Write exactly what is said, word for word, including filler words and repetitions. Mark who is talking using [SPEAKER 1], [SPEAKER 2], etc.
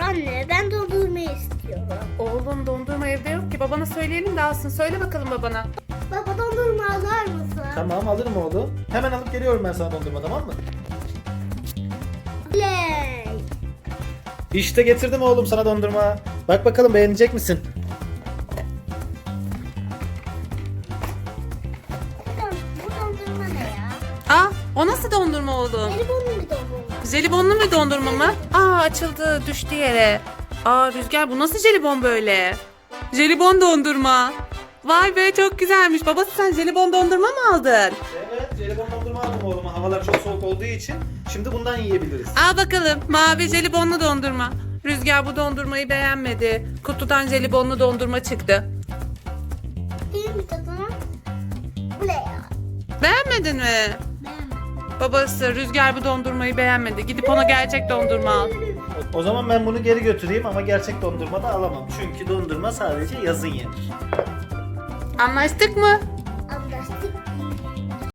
[SPEAKER 1] Anne ben dondurma istiyorum.
[SPEAKER 2] Oğlum dondurma evde yok ki. Babana söyleyelim de alsın. Söyle bakalım babana.
[SPEAKER 1] Baba dondurma alır mısın?
[SPEAKER 3] Tamam alırım oğlum. Hemen alıp geliyorum ben sana dondurma, tamam mı?
[SPEAKER 1] Play.
[SPEAKER 3] İşte getirdim oğlum sana dondurma. Bak bakalım beğenecek misin?
[SPEAKER 1] Bu dondurma ne ya?
[SPEAKER 2] Aa, o nasıl dondurma oğlum?
[SPEAKER 1] Jelibonlu bir dondurma.
[SPEAKER 2] Jelibonlu mu dondurma mı? Aa, açıldı, düştü yere. Aa, Rüzgar bu nasıl jelibon böyle? Jelibon dondurma. Vay be, çok güzelmiş. Babası sen jelibon dondurma mı aldın?
[SPEAKER 3] Evet, jelibon dondurma aldım oğluma. Havalar çok soğuk olduğu için. Şimdi bundan yiyebiliriz.
[SPEAKER 2] Al bakalım, mavi jelibonlu dondurma. Rüzgar bu dondurmayı beğenmedi. Kutudan jelibonlu dondurma çıktı.
[SPEAKER 1] İyi mi tadına? Bu ne ya?
[SPEAKER 2] Beğenmedin mi?
[SPEAKER 1] Beğenmedim.
[SPEAKER 2] Babası Rüzgar bu dondurmayı beğenmedi. Gidip ona gerçek dondurma al.
[SPEAKER 3] O zaman ben bunu geri götüreyim ama gerçek dondurma da alamam. Çünkü dondurma sadece yazın yenir.
[SPEAKER 2] Anlaştık mı?